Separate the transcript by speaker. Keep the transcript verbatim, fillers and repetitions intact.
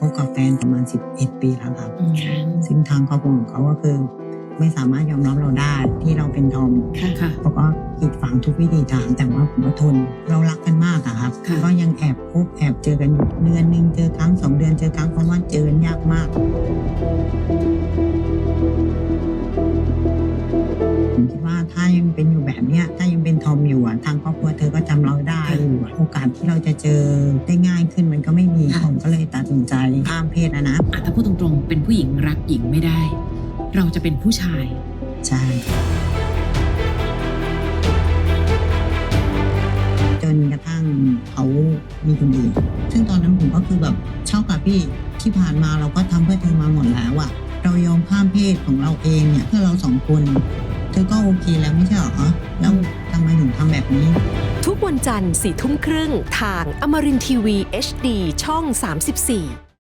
Speaker 1: บกับแฟนประมาณสิบเอ็ดปีแล้วครับซึ่งทางครอบครัวของเขาก็คือไม่สามารถยอมรับเราได้ที่เราเป็นทอมเขาก็กีดฝังทุกวิธีทางแต่ว่าผมก็ทนเรารักกันมากอะครับก็ยังแอบพบแอบเจอกันเดือนนึงเจอครั้งสองเดือนเจอครั้งเพราะว่าเจอยากมากผมคิดว่าถ้ายังเป็นอยู่แบบเนี้ยถ้ายังเป็นทอมอยู่อะทางครอบครัวเธอก็จำเราได้อยู่โอกาสที่เราจะเจอได้ง่ายขึ้นมันก็ไม่มีผมก็เลยตัดสินใจข้ามเพศนะนะ
Speaker 2: ถ้าพูดตรงๆเป็นผู้หญิงรักหญิงไม่ได้เราจะเป็นผู้ชาย
Speaker 1: ใช่จนกระทั่งเขามีคนอื่นซึ่งตอนนั้นผมก็คือแบบเช่ากับพี่ที่ผ่านมาเราก็ทำเพื่อเธอมาหมดแล้วอะเรายอมข้ามเพศของเราเองเนี่ยเพื่อเราสองคนเธอก็โอเคแล้วไม่ใช่หรอแล้วทำไมถึงทำแบบนี้
Speaker 3: ทุกวันจันทร์สี่ทุ่มครึ่งทางอมรินทร์ทีวี เอช ดี ช่องสามสิบสี่